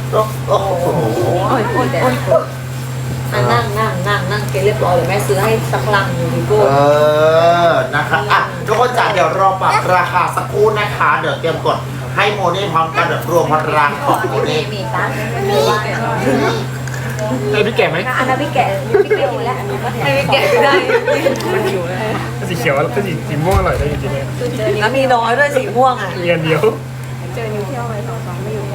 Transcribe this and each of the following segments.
โอ้โหนั่งเกเรียบร้อยเลยแม่ซื้อให้สักลังอยู่ดิโก้นะคะอ่ะทุกคนจ๋าเดี๋ยวรอปรับราคาสักครู่นะคะเดี๋ยวเตรียมกดให้โมเน่พร้อมกันแบบรวมพลังของโมเน่มีตั้งพี่แก่ไหมอันนั้นพี่แก่พี่เกี่ยวแล้วไม่พี่แก่ได้มันหิวเลยสีเขียวแล้วก็สีม่วงอร่อยได้จริงๆแล้วมีน้อยด้วยสีม่วงอ่ะมีอันเดียวเจอนิวเที่ยวไป2 ไม่อยู่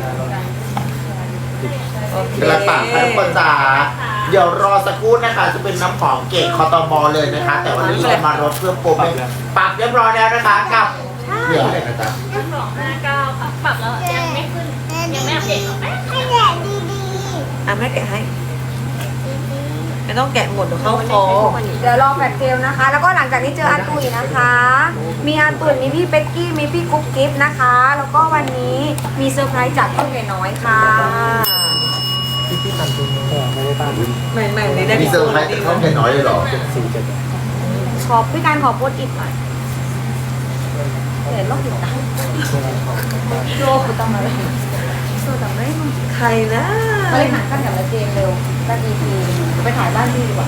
กระต่ายทุกคนจ๋าเดี๋ยวรอสักครู่นะคะจะเป็นน้ำหอมเกตคอตมเลยนะคะแต่วันนี้เรามารถเพื่อโปรโมทปรับเรียบร้อยแล้วนะคะกับเหลืออะไรนะจ๊ะ 259ค่ะปรับแล้วยังไม่ขึ้นยังไม่อัปเดตหรอกแม่แกะให้ไม่ต้องแกะหมดเดี๋ยวเข้าคอเดี๋ยวรอแฟดเซลนะคะ แล้วก็หลังจากนี้เจออาตุยนะคะ มีอาตุยมีพี่เป๊กกี้มีพี่กุ๊กกิ๊บนะคะ แล้วก็วันนี้มีเซอร์ไพรส์จากพี่เมย์น้อยค่ะพี่ตันตัวนี้ไม่ได้ตั้งไม่ได้มีเซอร์ไพรส์เขาแค่น้อยเลยหรอขอบพี่การขอโพสต์อิดหน่อยเห็นโลกติดตาโลกติดตามอะไรโซดาไม่ใครนะบริหารขั้นกับละเจนเร็วด้าน EP ไปถ่ายบ้านพี่ดีกว่า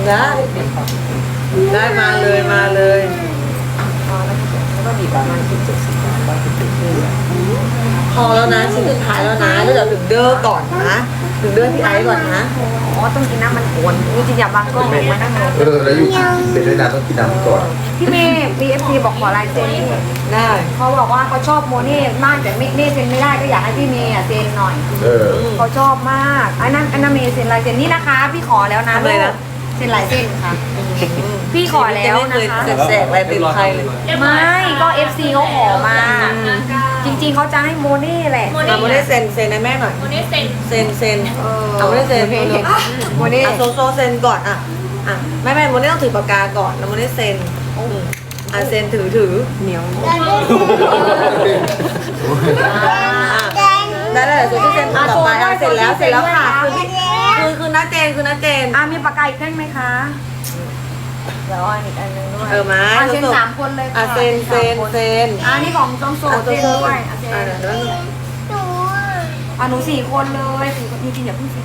ได้มาเลยแล้วก็บีบประมาณพอแล้วนะชิ้นสุดท้ายแล้วนะแล้วเดี๋ยวถึงเด้อก่อนนะถึงเด้อพี่ไอ้ก่อนนะอ๋อต้องกินน้ำมันขวนนี่จริงอย่าบางก็มานั่งลงแล้วอยู่เป็นด้วยนะต้องกินน้ำก่อนพี่เมย์ BFC บอกขอลายเซ็นได้เขาบอกว่าเขาชอบโมเน่มากแต่เม่เซ็นไม่ได้ก็อยากให้พี่เมย์เซ็นหน่อยเขาชอบมากอันนั้นเมย์เซ็นลายเซ็นนี่นะคะพี่ขอแล้วนะเลยนะเซ็นลายเซ็นค่ะพี่ขอแล้วนะคะแสกอะไรเป็นใครเลยไม่ก็ FC เขาขอมาจริงๆเขาจะให้โมเน่แหละโมเน่เซ็นให้แม่หน่อยโมเน่เซ็นเอาโมเน่เซ็นโมเน่โซเซ็นก่อนไม่โมเน่ต้องถือปากกาก่อนแล้วโมเน่เซ็นเซ็นถือเหนียวได้เลยส่วนที่เซ็นต่อไปเสร็จแล้วค่ะคือน้าเจนมีปากกาอีกแท่งไหมคะเดี๋ยวอีกอันนึงด้วยมาเซ็น3 คนเลยค่ะเซ็นนี่ของจงโซเซ็นด้วยหนู4 คนเลย4 คนจริงๆอย่าเพิ่งเซ็น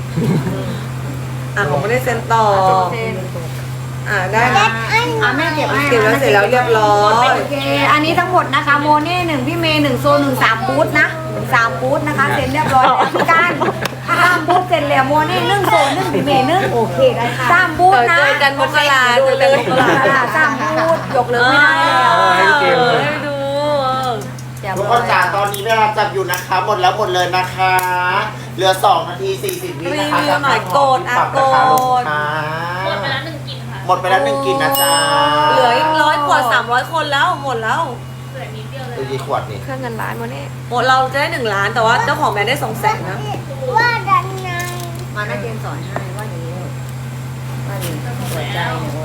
ผมไม่ได้เซ็นต่อได้นะแม่เก็บแล้วเสร็จแล้วเรียบร้อยโอเคอันนี้ทั้งหมดนะคะโมเน่1พี่เมย์1โซ1 3บูธนะ3บูธนะคะเซ็นเรียบร้อยแล้วพี่การ3บูธเซ็นแล้วโมเน่1โซ1พี่เมย์1โอเคได้ค่ะ3บูธนะเจอกันมกรา3บูธยกเลิกไม่ได้แล้วดูทุกคนจ๋าตอนนี้เวลาจับอยู่นะคะหมดเลยนะคะเหลือ2 นาที 40 วินะคะจะหน่อยโกดปรับราคาลงค่ะหมดไปแล้ว1 กลิ่นค่ะหมดไปแล้ว1 กลิ่นนะจ๊ะเหลืออีก100 ขวด300 คนแล้วหมดแล้วเหลือนิดเดียวเลยกี่ขวดนี่เครื่องเงินล้านวันนี้หมดเราจะได้1 ล้านแต่ว่าเจ้าของแบรนด์ได้200,000นะว่าดันไงมาหน้าเกณฑ์สอนให้ว่าอย่างนี้ว่าอย่างนี้หัวใจ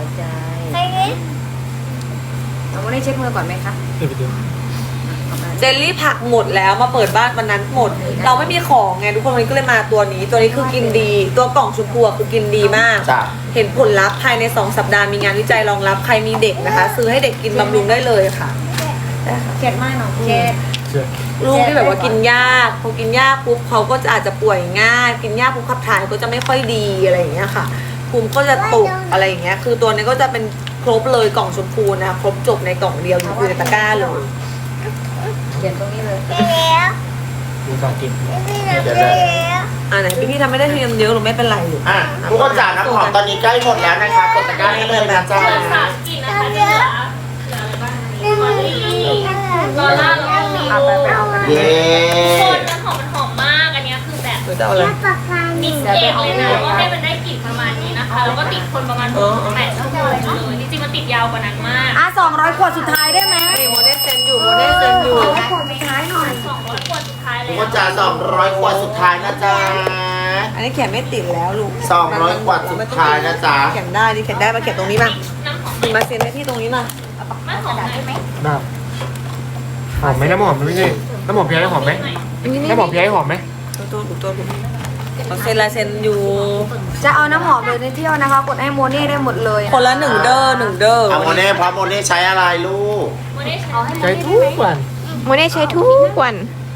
เราไม่ได้เช็คมือก่อนไหมคะเจลลี่ผักหมดแล้วมาเปิดบ้านวันนั้นหมดเราไม่มีของไงทุกคนวันนี้ก็เลยมาตัวนี้คือกินดีตัวกล่องชมพูคือกินดีมากเห็นผลลัพธ์ภายใน2 สัปดาห์มีงานวิจัยรองรับใครมีเด็กนะคะซื้อให้เด็กกินบำรุงได้เลยค่ะเข็ดมากเนาะเข็ดลูกที่แบบว่ากินยากพอกินยากปุ๊บเขาก็จะอาจจะป่วยง่ายกินยากปุ๊บขับถ่ายก็จะไม่ค่อยดีอะไรอย่างเงี้ยค่ะภูมิก็จะตกอะไรอย่างเงี้ยคือตัวนี้ก็จะเป็นครบเลยกล่องชมพูนะครบจบในกล่องเดียวอยู่ในตะกร้าเลยเขียนตรงนี้เลยดูการกินไหนพี่ทำไม่ได้เทียมเยอะหรือไม่เป็นไรหรือทุกคนจ๋าน้ำหอมตอนนี้ใกล้หมดแล้วนะคะกดตะกร้าให้เลยนะจ๊ะ 3 กลิ่นนะคะเหลืออะไรบ้างลอร่าแล้วก็มีคนน้ำหอมมันหอมมากอันนี้คือแบบมิกเองเลยนะว่าให้มันได้กลิ่นประมาณนี้นะคะแล้วก็ติดคนประมาณ8 ชั่วโมงเลยจริงๆมันติดยาวกว่านั้นมาก 200 ขวดสุดท้ายได้ไหมโมเดลเซนอยู่ขวดสุดท้ายหน่อย 200 ขวดสุดท้ายแล้วทุกคนจ๋า200 ขวดสุดท้ายนะจ๊ะอันนี้แขนไม่ติดแล้วลูก 200 ขวดสุดท้ายนะจ๊ะแขนได้ดิแขนได้มาแขนตรงนี้มามาเซ็นให้ที่ตรงนี้มามันหอมได้ไหมหอมไหมน้ำหอมไม่ใช่น้ำหอมพี่ไอ้หอมไหมน้ำหอมพี่ไอ้หอมไหมตัวเขาเซ็นลายเซ็นอยู่จะเอาน้ำหอมเลยในเที่ยวนะคะกดให้โมเน่ได้หมดเลยคนละ1 เด้อโมเน่เพราะโมเน่ใช้อะไรลูกโมเน่ใช้ทุกวันโมเน่ใช้ทุกวัน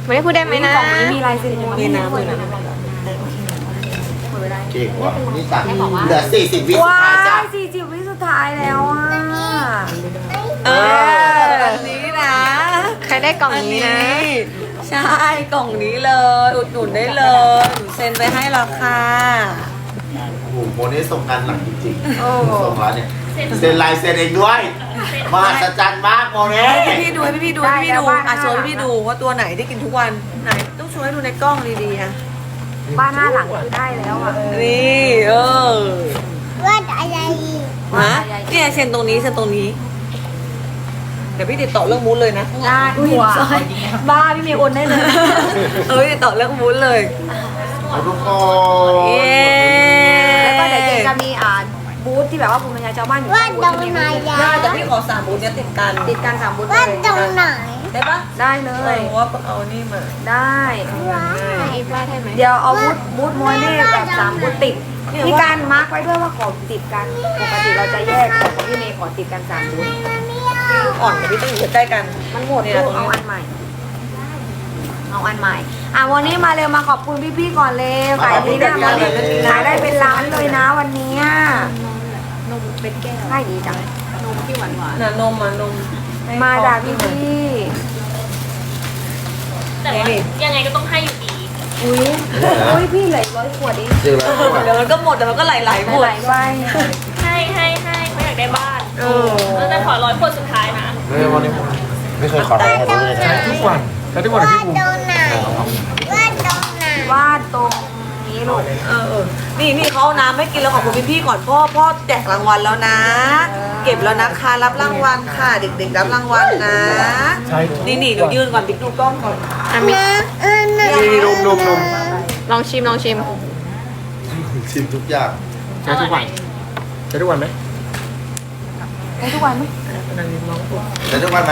ไม่ได้พูดได้ไหมนะกล่องนี้มีลายเซ็นโมมีเน่น้ำด้วยมีนะน้ำเก่งว่ะนี่จ้ะเหลือ40 วิสุดว้าท้ายจ้ะย40 วิสุดท้ายแล้วอ่ะเอออันนี้นะใครได้กล่องอันนี้นี้นะใช่กล่องนี้เลยอุดหนุนได้เลยหนูเซ็นไปให้ราคาโอ้โหโมเน่ส่งงานหนักจริงโอ้ๆส่งแล้วเนี่ยเซ็นลายเซ็นเองด้วยมหัศจรรย์มากโมเน่ให้พี่ดูให้พี่ดูให้พี่ดูอ่ะโชว์ให้พี่ดูว่าตัวไหนที่กินทุกวันไหนต้องโชว์ให้ดูในกล้องดีๆอ่ะบ้านหน้าหลังคือได้แล้วอ่ะนี่เออว่าอะไรอีกฮะเนี่ยเซ็นตรงนี้เซ็นตรงนี้ เดี๋ยวพี่ติดต่อเรื่องมูดเลยนะได้อุ้ยบ้าพี่เมย์โอนได้เลยเอ้ยติดต่อเรื่องมูดเลยเอาทุกคนเย้แล้วก็เดี๋ยวเจจะมีบูธที่แบบว่าภูมิปัญญาชาวบ้านอยู่ว่าข้างบตรนงไหนยาได้แต่พี่ขอ3บูธเนี้ยติดกันติดกัน3บูธเลว่าย ตรงไหนได้ปะได้เลเอย อว่าเอานี่มาได้ว้าอีกวาดให้ไหมเดี๋ยวเอาบูธโมเน่แบบ3บูธติดมีการมาร์กไว้ด้วยว่าขอติดกันปกติเราจะแยกของพี่เมย์ขอติดกัน3บูธอ่อนกับพี่ต้องอยู่ใกล้ๆกันมันหมดเนี่ยลูกเอาอันใหม่ เอาอันใหม่วันนี้มาเร็วมาขอบคุณพี่ๆก่อนเลยขายดีนะวันนี้ขายได้เป็นล้านเลยนะวันนี้นมเป็นแก้วขายดีจังน่ะนมอ่ะนมมาจากพี่แต่ว่ายังไงก็ต้องให้อยู่ดีๆอุ้ยพี่เหลือ100 ขวดเองเจอแล้วเดี๋ยวมันก็หมดเดี๋ยวมันก็ไหลๆหมดไหลๆไปให้เขาอยากได้บ้านเออแต่ขอ100 คนสุดท้ายนะไม่วันนี้ไม่เคยขอร้องเขาเลยใช้ทุกวันใช้ทุกวันว่าพี่ภูมิตรงไหนว่าตรงไหนวาดตรงนี้ลูกนี่เขาเอาน้ำให้กินแล้วขอบคุณพี่ๆก่อนพ่อแจกรางวัลแล้วนะ เก็บแล้วนะคะรับรางวัลค่ะเด็กๆรับรางวัลนะใช้ทุกนี่หนูยืนก่อนบิ๊กดูกล้องก่อนอ่ะมีนะนี่นมลองชิมชิมทุกอย่างใช้ทุกวันใช้ทุกวันไหมได้ทุกวันไหมแต่ทุกวันไหม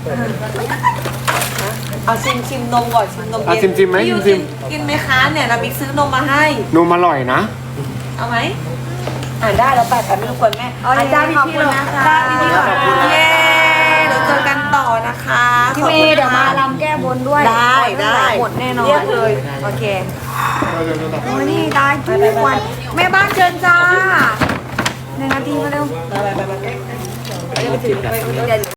เอาชิมนมก่อนชิมนมอ่ะเย็นชิมไหมพี่ยูชิมกินไหมคะเนี่ยนะบิ๊กซื้อนมมาให้นมอร่อยนะเอาไหมได้แล้วไปไม่รบกวนแม่อาจารย์ขอบคุณนะคะเย้เดี๋ยวเจอกันต่อนะคะพี่เมย์เดี๋ยวมาลำแก้บนด้วยได้หมดแน่นอนเรียกเลยโอเคนี่ได้ทุกวันแม่บ้านเชิญจ้า1 นาทีมาเร็วไปเดี๋ยว